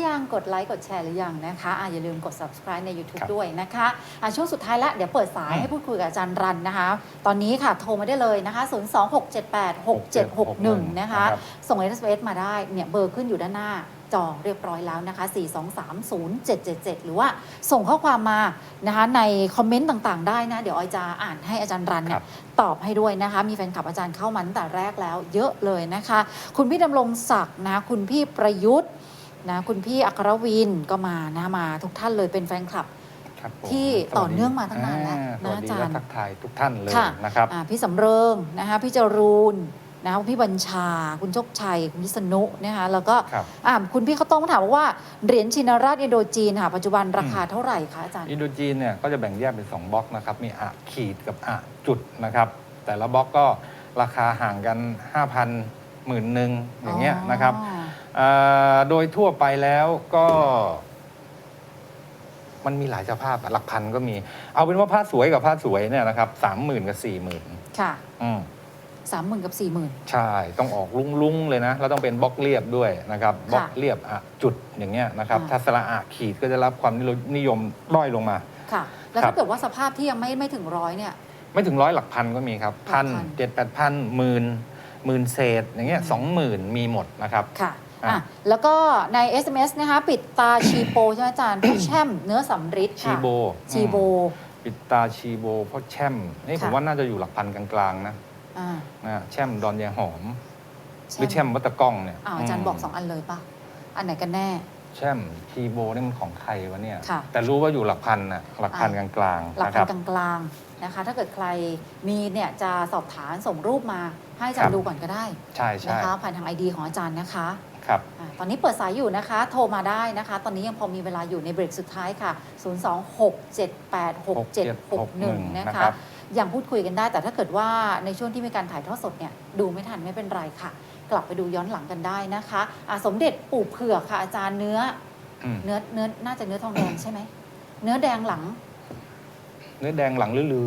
ยังกดไลค์กดแชร์หรือยังนะคะอย่าลืมกด subscribe ใน YouTube ด้วยนะคะช่วงสุดท้ายแล้วเดี๋ยวเปิดสายให้พูดคุยกับอาจารย์รันนะคะตอนนี้ค่ะโทรมาได้เลยนะคะ026786761นะคะส่ง SMS มาได้เนี่ยเบอร์ขึ้นอยู่ด้านหน้าจอเรียบร้อยแล้วนะคะ4230777หรือว่าส่งข้อความมานะคะในคอมเมนต์ต่างๆได้นะเดี๋ยวออยจะอ่านให้อาจารย์รันเนี่ยตอบให้ด้วยนะคะมีแฟนคลับอาจารย์เข้ามาตั้งแต่แรกแล้วเยอะเลยนะคะคุณพี่ดำรงศักดิ์นะคุณพี่ประยุทธ์นะคุณพี่อัครวินก็มานะมาทุกท่านเลยเป็นแฟนคลับที่ต่อเนื่องมาตั้งนานแล้วนะอาจารย์ทักทายทุกท่านเลยนะครับพี่สำเริงนะคะพี่จรูนนะคะพี่บัญชาคุณโชคชัยคุณพิษณุนะคะแล้วก็คุณพี่เขาต้องถามว่าเหรียญชินราชอินโดจีนค่ะปัจจุบันราคาเท่าไหร่คะอาจารย์อินโดจีนเนี่ยก็จะแบ่งแยกเป็น2บล็อกนะครับมีอะขีดกับอะจุดนะครับแต่ละบล็อกก็ราคาห่างกัน 5,000 10,000อย่างเงี้ยนะครับโดยทั่วไปแล้วก็มันมีหลายสภาพหลักพันก็มีเอาเป็นว่าผ้าสวยกับผ้าสวยเนี่ยนะครับ30,000 กับ 40,000 ค่ะ30,000 กับ 40,000 ใช่ต้องออกลุ้งๆเลยนะแล้วต้องเป็นบล็อกเรียบด้วยนะครับบล็อกเรียบอะจุดอย่างเงี้ยนะครับถ้าสระอะขีดก็จะรับความนิยมด้อยลงมาค่ะแล้วถ้าเกิดว่าสภาพที่ยังไม่ถึง100เนี่ยไม่ถึง100หลักพันก็มีครับ1,000 7,000 8,000 10,000เศษอย่างเงี้ย20,000มีหมดนะครับค่ะแล้วก็ใน SMS นะคะปิดตาชีโปใช่ไหมอาจารย์พี่แช่มเนื้อสำริดชีโบปิดตาชีโบเพราะแช่มนี่ผมว่าน่าจะอยู่หลักพันกลางๆนะแช่มดอนยายหอมหรือแช่มวัตตะก้องเนี่ยอาจารย์บอก2อันเลยป่ะอันไหนกันแน่แช่มชีโบนี่มันของใครวะเนี่ยแต่รู้ว่าอยู่หลักพันนะหลักพันกลางๆหลักพันกลางๆนะคะถ้าเกิดใครมีเนี่ยจะสอบถามส่งรูปมาให้อาจารย์ดูก่อนก็ได้ใช่นะคะผ่านทาง ID ของอาจารย์นะคะครับตอนนี้เปิดสายอยู่นะคะโทรมาได้นะคะตอนนี้ยังพอมีเวลาอยู่ในเบรกสุดท้ายค่ะ026786761นะคะยังพูดคุยกันได้แต่ถ้าเกิดว่าในช่วงที่มีการถ่ายทอดสดเนี่ยดูไม่ทันไม่เป็นไรค่ะกลับไปดูย้อนหลังกันได้นะคะสมเด็จปู่เผือกค่ะอาจารย์เนื้อน่าจะเนื้อทองแดงใช่ไหมเนื้อแดงหลังลือเนื้อแดงหลัง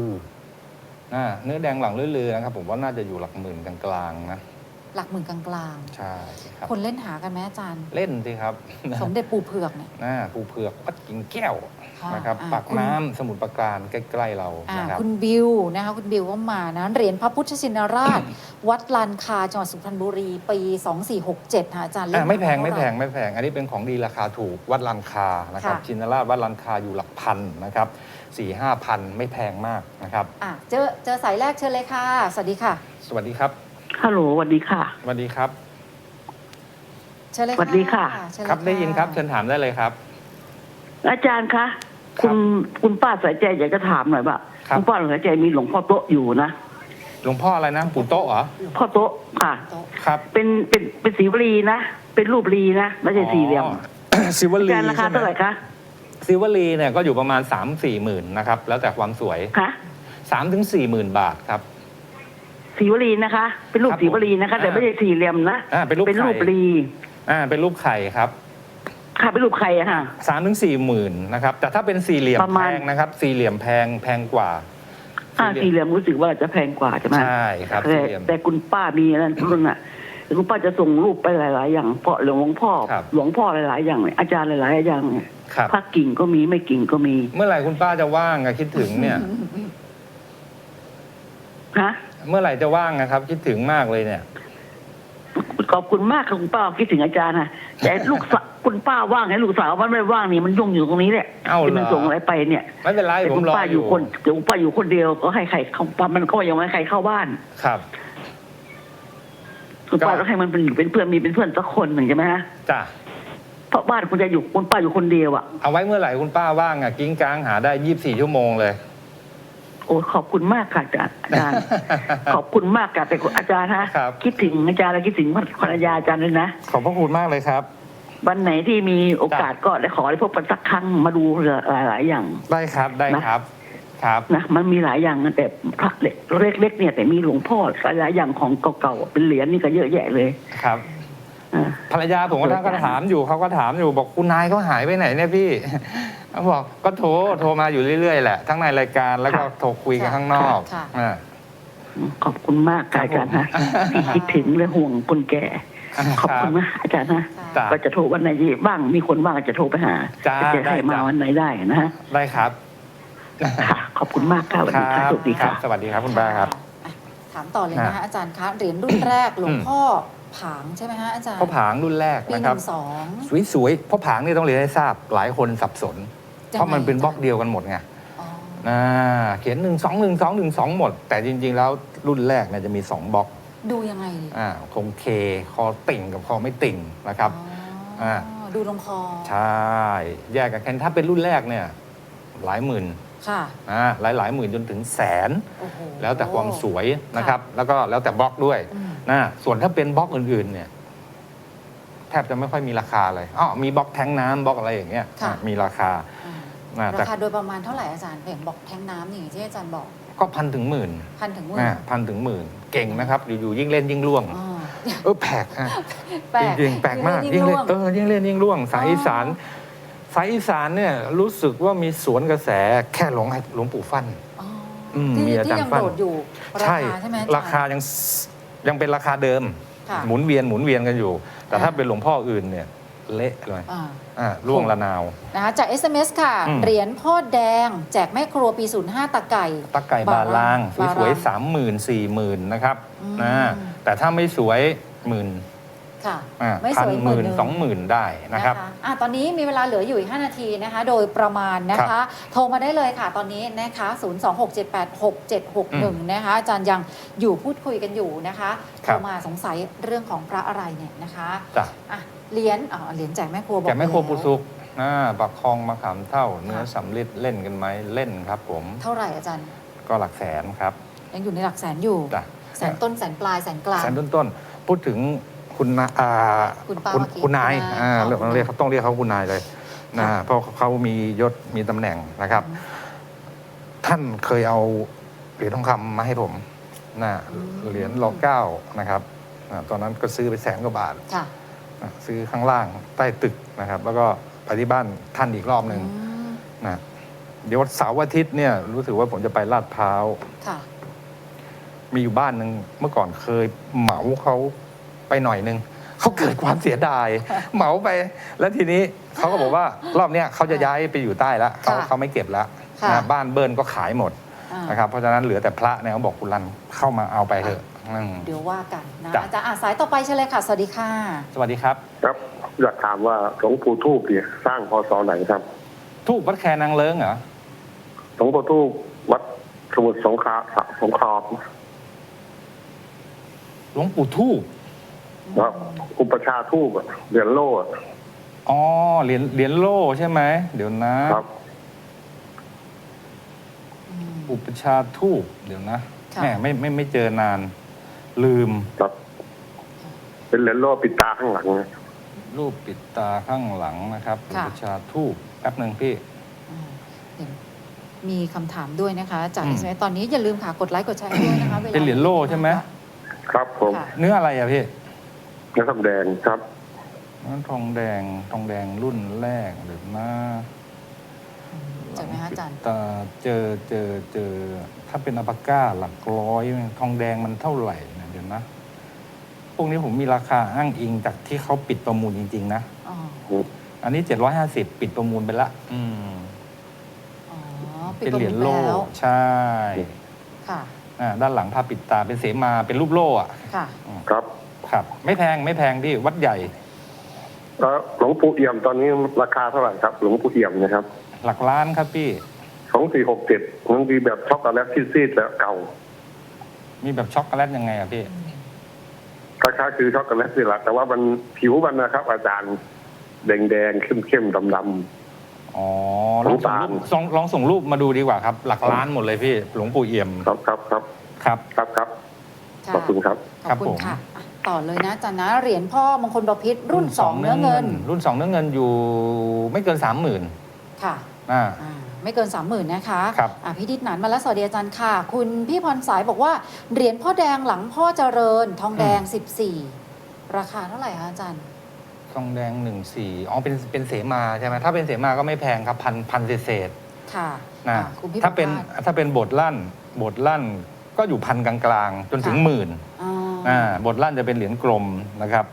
ลือนะครับผมว่าน่าจะอยู่หลักหมื่นกลางๆนะหลักหมื่นกลางๆใช่ครับคนเล่นหากันไหมอาจารย์เล่นสิครับสมเด็จปู่เผือกเนี่ยปู่เผือกวัดกิ่งแก้วนะครับปากน้ำสมุทรปราการใกล้ๆเรานะครับคุณบิวนะคะคุณบิวก็มานะเหรียญพระพุทธชินราช วัดลานคาจังหวัดสุพรรณบุรีปี2467ค่ะอาจารย์ไม่แพงอันนี้เป็นของดีราคาถูกวัดลานคานะครับชินราชวัดลานคาอยู่หลักพันนะครับ4-5,000ไม่แพงมากนะครับเจอสายแรกเชิญเลยค่ะสวัสดีค่ะสวัสดีครับฮัลโหลสวัสดีค่ะสวัสดีครับเชิญเลยสวัสดีค่ะครับได้ยินครับเชิญถามได้เลยครับอาจารย์คะคุณป้าสายใจอยากจะถามหน่อยว่าคุณป้าสายใจมีหลวงพ่อโต๊ะอยู่นะหลวงพ่ออะไรนะปู่โต๊ะเหรอพ่อโต๊ะค่ะครับเป็นสีวลีนะเป็นรูปลีนะไม่ใช่สี่เหลี่ยมศิวลีราคาเท่าไหร่คะศิวลีเนี่ยก็อยู่ประมาณ 3-4 หมื่นนะครับแล้วแต่ความสวยค่ะ 3-4,000 บาทครับสีวลีนะคะเป็นรูปสีวลีนะคะแต่ไม่ใช่สี่เหลี่ยมนะเป็นรูปลีเป็นรูปไข่ครับค่ะเป็นรูปไข่อะค่ะ 3-4 หมื่นนะครับแต่ถ้าเป็นสี่เหลี่ยมแพงนะครับสี่เหลี่ยมแพงกว่าสี่เหลี่ยมรู้สึกว่าจะแพงกว่าใช่ไหมใช่ครับแต่คุณป้ามีอะไรรุ่นน่ะคุณป้าจะส่งรูปไปหลายๆอย่างเพราะหลวงพ่อหลายๆอย่างอาจารย์หลายๆอย่างพักกิ่งก็มีไม่กิ่งก็มีเมื่อไหร่คุณป้าจะว่างคิดถึงเนี่ยฮะเมื่อไหร่จะว่างนะครับคิดถึงมากเลยเนี่ยขอบคุณมากค่ะคุณป้าคิดถึงอาจารย์นะแต่ลูกสาวคุณป้าว่างให้ลูกสาวมันไม่ว่างนี่มันยุ่งอยู่ตรงนี้แหละที่มันส่งอะไรไปเนี่ยไม่เป็นไรผมรออยู่คุณป้าอยู่คนเดียวก็ให้ใครเข้าป้ามันก็ยังไม่ให้ใครเข้าบ้านครับคุณป้าต้องให้มันเป็นเพื่อนมีเป็นเพื่อนสักคนหนึ่งใช่ไหมฮะจ้ะเพราะบ้านคุณจะอยู่คุณป้าอยู่คนเดียวอ่ะเอาไว้เมื่อไหร่คุณป้าว่างกิ้งก้างหาได้24 ชั่วโมงเลยโอ้ขอบคุณมากค่ะอาจารย์ขอบคุณมากค่ะแต่อาจารย์ฮะคิดถึงอาจารย์และคิดถึงภรรยาอาจารย์เลยนะขอบพระคุณมากเลยครับวันไหนที่มีโอกาสก็ได้ขอได้พบกันสักครั้งมาดูหลายอย่างได้ครับครับนะมันมีหลายอย่างแต่พระเล็กเนี่ยแต่มีหลวงพ่อหลายอย่างของเก่าๆเป็นเหรียญนี่ก็เยอะแยะเลยครับภรรยาผมก็ถามอยู่เขาก็ถามอยู่บอกคุณนายเขาหายไปไหนเนี่ยพี่เขาบอกก็โทรมาอยู่เรื่อยๆแหละทั้งในรายการแล้วก็โทรคุยกันข้างนอกขอบคุณมากอาจารย์นะที่คิดถึงและห่วงคนแก่ขอบคุณนะอาจารย์นะจ้ะก็จะโทรวันไหนที่บ้างมีคนว่างก็จะโทรไปหาจ้าจะได้ให้มาจ้ะวันไหนได้นะฮะได้ครับค่ะขอบคุณมากค่ะสวัสดีค่ะสวัสดีครัค่ะบสวัสดีครับคุณป้าครับอ่ะถามต่อเลยนะคะอาจารย์คะเหรียญรุ่นแรกหลวงพ่อผางใช่ไหมฮะอาจารย์พ่อผางรุ่นแรกปีนะหครับนึ่งสองสวยๆพ่อผางนี่ต้องเรียนให้ทราบหลายคนสับสน เพราะมันเป็นบล็อกเดียวกันหมดไงอ๋อเขียน1 2 1 2 1 2หมด แต่จริงๆแล้วรุ่นแรกเนี่ยจะมี2บล็อกดูยังไงดีคงเคคอติ่งกับคอไม่ติ่งนะครับอ๋อดูลงคอใช่แยกกันแค่ถ้าเป็นรุ่นแรกเนี่ยหลายหมื่นค่ะหลายหมื่นจนถึงแสนโอ้โหแล้วแต่ความสวยนะครับ แล้วก็แล้วแต่บล็อกด้วยอืมส่วนถ้าเป็นบล็อกอื่นๆเนี่ยแทบจะไม่ค่อยมีราคาเลยมีบล็อกแทงน้ำบล็อกอะไรอย่างเงี้ยค่ะมีราคา แต่ราคาโดยประมาณเท่าไหร่อาจารย์อย่างบอกแทงน้ำอย่างที่อาจารย์บอกก็พันถึงหมื่นพันถึงหมื่นพันถึงหมื่นเก่งนะครับ อยู่ๆยิ่งเล่นยิ่งล่วงอ๋อแปลกแปลกจริงๆแปลกมากยิ่งเล่นยิ่งเล่นยิ่งล่วงสายอีสานสายอีสานเนี่ยรู้สึกว่ามีสวนกระแสแค่หลวงปู่ฟั่นอ๋อมีอาจารย์ที่ยังฟั่นโดดอยู่ราคาใช่ไหมอจย์ราคายังเป็นราคาเดิมค่ะหมุนเวียนกันอยู่ แต่ถ้าเป็นหลวงพ่ออื่นเนี่ยเละเลย ล่วงละนาวนะคะจาก SMS ค่ะ เหรียญพ่อแดง แจกแม่ครัวปี 05 ตะไก่ตะไก่บาลางบาสวยรางๆ 30,000 40,000 นะครับอืมแต่ถ้าไม่สวยหมื่นค่ะ ไม่พัสนวยหมื่น 10,000 20,000 ได้นะครับตอนนี้มีเวลาเหลืออยู่อีก 5 นาทีนะคะ โดยประมาณนะคะ โทรมาได้เลยค่ะตอนนี้นะคะ 026786761 นะคะ อาจารย์ยังอยู่พูดคุยกันอยู่นะคะครัโทบรมาสงสัยเรื่องของพระอะไรเนี่ยนะคะจ้ะเหรียญแจกแม่ครัวบอกแกไม่โครปูแล้วสุกปักคลองมะขามเท่า เนื้อสำลิดเล่นกันไหมเล่นครับผมเท่าไหร่อาจารย์ก็หลักแสนครับยังอยู่ในหลักแสนอยู่จ้ะแสนต้นแสนปลายแสนกลางแสนต้นๆพูดถึงคุณนาคุณป้าคุณนายคุณนายต้องเรียกเขาคุณนายเลยนะค่ะเพราะเขามียศมีตำแหน่งนะครับ ท่านเคยเอาเหรียญทองคำมาให้ผมเหรียญร.9นะครับตอนนั้นก็ซื้อไป100,000 กว่าบาทค่ะซื้อข้างล่างใต้ตึกนะครับ แล้วก็ไปที่บ้านท่านอีกรอบหนึ่งอืมนะเดี๋ยวเสาร์อาทิตย์เนี่ยรู้สึกว่าผมจะไปลาดพร้าวค่ะมีอยู่บ้านหนึ่งเมื่อก่อนเคยเหมาเขาไปหน่อยนึงเขาเกิดความเสียดาย เหมาไป แล้วทีนี้เขาก็บอกว่ารอบเนี้ยเขาจะย้ายไปอยู่ใต้แล้วเขาไม่เก็บแล้วค่ะนะบ้านเบิร์นก็ขายหมดอ่านะครับเพราะฉะนั้นเหลือแต่พระเนี่ยเขาบอกคุณรันเข้ามาเอาไปเถอะอืมเดี๋ยวว่ากันนะจ้ะอาจารย์สายต่อไปเชิญเลยค่ะ สวัสดีค่ะสวัสดีครับครับอยากถามว่าหลวงปู่ทูบเนี่ยสร้างพศไหนครับทูบวัดแคนางเลิ้งเหรอหลวงปู่ทูบวัดสมุทรสงครามหลวงปู่ทูบครับอุปชาทูบอะเหรียญโล่อะอ๋อเหรียญโล่ใช่ไหมเดี๋ยวนะครับ อุปชาทูบเดี๋ยวนะค่ะแม่ไม่เจอนาน ลืมครับ เป็นเหรียญโล่ปิดตาข้างหลังนะรูปปิดตาข้างหลังนะครับอุค่ะปชาทูบแป๊บหนึ่งพี่เห็นมีคำถามด้วยนะคะ จากอืม SMS ตอนนี้อย่าลืมค่ะ กดไลค์กดแชร์ด้วยนะคะวลาเป็นเหรียญโล่ใช่ไหมครับผมค่ะเนื้ออะไรอะพี่เนื้อทองแดงครับนั่นทองแดงรุ่นแรกเดี๋ยวนะเจอไหมคะอาจารย์แต่เจอถ้าเป็นอัลปาก้าหลักร้อยทองแดงมันเท่าไหร่นะเดี๋ยวนะ พวกนี้ผมมีราคาอ้างอิงจากที่เขาปิดประมูลจริงๆนะอ๋ออันนี้750ปิดประมูลไปละอ๋อปิดเป็นประเหรีมูยญลโล่แล้วใช่ค่ะด้านหลังผ้าปิดตาเป็นเสมาเป็นรูปโล่อะค่ะครับครับ ไม่แพงพี่วัดใหญ่แล้วหลวงปู่เอี่ยมตอนนี้ราคาเท่าไหร่ครับ หลวงปู่เอี่ยมนะครับหลักล้านครับพี่ 2467มันมีแบบช็อกโกแลตซีดๆแล้วเก่ามีแบบช็อกโกแลตยังไงอะพี่คล้ายๆคือช็อกโกแลตนี่แหละแต่ว่ามันผิวมันนะครับ อาจารย์แดงๆเข้มๆดำอ๋อลองส่งรูปมาดูดีกว่าครับ หลักล้านหมดเลยพี่ หลวงปู่เอี่ยมๆครับครับครับครับครับครับค่ะขอบคุณครับขอบคุณค่ะอ่ะ ต่อเลยนะอาจารย์นะ เหรียญพ่อมงคลบพิตรรุ่น 2 เนื้อเงินรุ่น 2 เนื้อเงินอยู่ไม่เกิน 30,000 ค่ะอ่าไม่เกิน 30,000 นะคะครับพี่ดิษฐ์หนานมาแล้วสวัสดีอาจารย์ค่ะ คุณพี่พรสายบอกว่า เหรียญพ่อแดงหลังพ่อเจริญ ทองแดง 14 ราคาเท่าไหร่คะอาจารย์ทองแดง14อ๋อเป็นเสมาใช่ไหมถ้าเป็นเสมาก็ไม่แพงครับพันเศษค่ะๆนะคุณพี่ถ้าเป็นประภาสถ้าเป็นบทลั่นก็อยู่พันกลางๆ จนถึงค่ะหมื่นอ่าบทลั่นจะเป็นเหรียญกลมนะครับ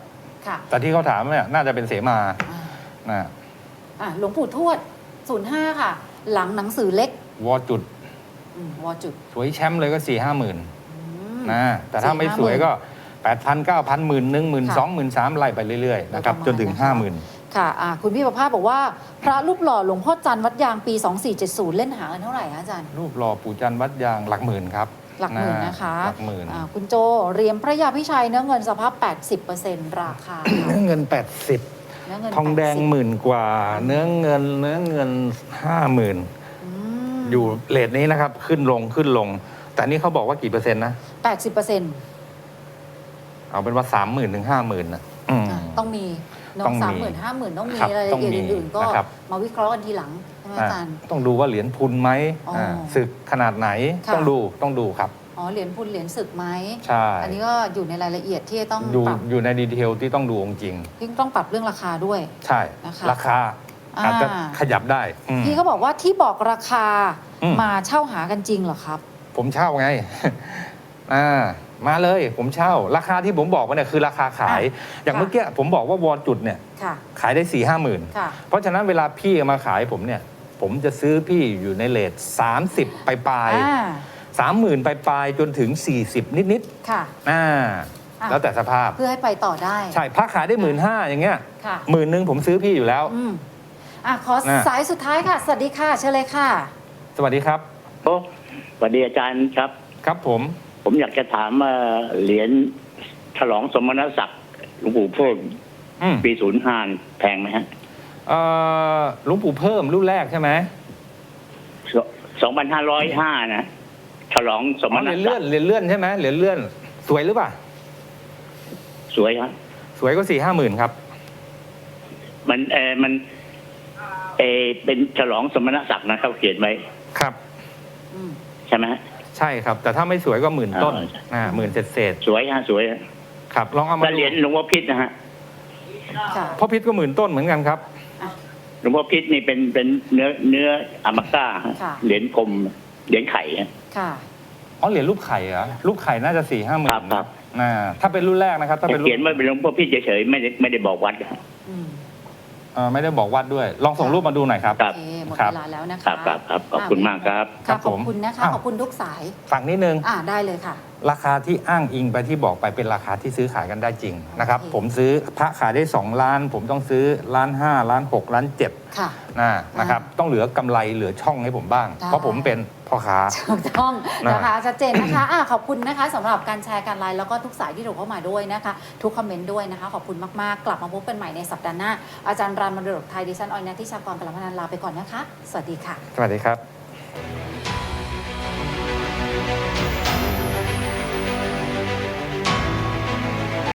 ค่ะแต่ที่เขาถามเนี่ยน่าจะเป็นเสมาอ่านะหลวงปู่ทวด 05 ค่ะ หลังหนังสือเล็กวอจุดวอจุดสวยแชมป์เลยก็ 4-5 หมื่นมนะแต่ถ้าไม่สวยก็ 8,000 9,000 10,000 ค่ะ 12,000 13,000ไล่ไปเรื่อยๆนะครับประมาณจนถึงนะคะ 50,000 ค่ะคุณพี่ประภาสบอกว่า พระรูปหล่อหลวงพ่อจันทร์วัดยางปี 2470 เล่นหากันเท่าไหร่คะอาจารย์รูปหล่อปู่จันทร์วัดยางหลักหมื่นครับหลักหมื่นนะคะหลักหมื่นคุณโจเหรียญพระยาพิชัยเนื้อเงินสภาพ 80%ราคาเนื้อเงิน 80 เนื้อเงินทองแดง 80 หมื่นกว่า เนื้อเงิน 50,000 อืมอยู่เรทนี้นะครับ ขึ้นลง แต่นี่เขาบอกว่ากี่เปอร์เซ็นต์นะ 80% เอาเป็นว่า 30,000 ถึง 50,000นะต้องมีเนต้องอะมี 30,000 50,000 ต้องมีครับรายละเอียดต้องมีอื่นๆ ก็นะครับมาวิเคราะห์กันทีหลังใช่ไหมอาจารย์ต้องดูว่าเหรียญพุนไหมอ๋ออ่ศึกขนาดไหนค่ะต้องดูครับเหรียญพุนเหรียญศึกไหมใช่อันนี้ก็อยู่ในรายละเอียดที่ต้องอยู่ปรับอยู่ในดีเทลที่ต้องดูองค์จริงที่ต้องปรับเรื่องราคาด้วยใช่นะคะราคาอาจจะขยับได้อืมพี่ก็บอกว่าที่บอกราคาอืมมาเช่าหากันจริงเหรอครับผมเช่าไง มาเลยผมเช่า ราคาที่ผมบอกมาเนี่ยคือราคาขาย อย่างค่ะเมื่อกี้ผมบอกว่าวอจุดเนี่ยค่ะขายได้ 4-5 หมื่นค่ะเพราะฉะนั้นเวลาพี่เอามาขายผมเนี่ย ผมจะซื้อพี่อยู่ในเลท30 ปลายอ่า 30,000 ปลายจนถึง 40 นิดค่ะๆอ่าอ่ะแล้วแต่สภาพเพื่อให้ไปต่อได้ใช่พระขายได้ 15,000อย่างเงี้ยค่ะ 10,000ผมซื้อพี่อยู่แล้วขอนะสายสุดท้ายค่ะ สวัสดีค่ะ เชิญเลยค่ะสวัสดีครับโอ้สวัสดีอาจารย์ครับครับผมผมอยากจะถามเหรียญฉลองสมณศักดิ์หลวงปู่เพิ่มอืมปี05แพงไหมฮะหลวงปู่เพิ่มรุ่นแรกใช่ไหม 2,505นะฉลองสมณเหรียญศัเลื่อก นดิ์เหรียญเลื่อนใช่ไหมเหรียญเลื่อน สวยหรือเปล่าสวยฮะสวยก็4-5 หมื่นครับมันเป็นฉลองสมณศักดิ์นะเขาเขียนไว้ครับอืมใช่ไหมฮะใช่ครับ แต่ถ้าไม่สวยก็10,000 ต้นอ๋อ 10,000 เศษสวยฮะสวยฮะๆครับ ลองเอามาแล้วดูเหรียญหลวงพ่อพิษนะฮะค่ะพ่อพิษก็10,000 ต้นเหมือนกันครับหลวงพ่อพิษนี่เป็นเนื้ออามาก้าฮะค่ะเหรียญกลมเหรียญไข่ฮะค่ะอ๋อเหรียญรูปไข่เหรอรูปไข่น่าจะ4-5 หมื่ครันบครับถ้าเป็นรุ่นแรกนะครับ ถ้าเป็นรุ่เขียนนว่าเป็นหลวงพ่อพิษเฉยๆไม่ได้บอกวัดฮะอืมไม่ได้บอกวัดด้วย ลองส่งรูปมาดูหน่อยครับครับโอเคหมดครับเวลาแล้วนะคะครับขอบคุณมากครับครัค่ะบขอบผมคุณนะคะอ้าวขอบคุณทุกสายฝั่งนิดนึงได้เลยค่ะราคาที่อ้างอิงไปที่บอกไปเป็นราคาที่ซื้อขายกันได้จริงนะครับโอเคผมซื้อพระขายได้2 ล้าน ผมต้องซื้อ1.5 ล้าน6 ล้าน 7 ค่ะนะครับ ต้องเหลือกำไรเหลือช่องให้ผมบ้างได้เพราะผมเป็นพ่อค้าถูกต้องนะคะนะชัดเจนนะคะขอบคุณนะคะสำหรับการแชร์การไลน์แล้วก็ทุกสายที่โทรเข้ามาด้วยนะคะ ทุกคอมเมนต์ด้วยนะคะ ขอบคุณมากๆ กลับมาพบกันใหม่ในสัปดาห์หน้า อาจารย์รันมรดกไทยดิฉันออยนัทธิชากรกลาพนันลาไปก่อนนะคะ สวัสดีค่ะสวัสดีครับ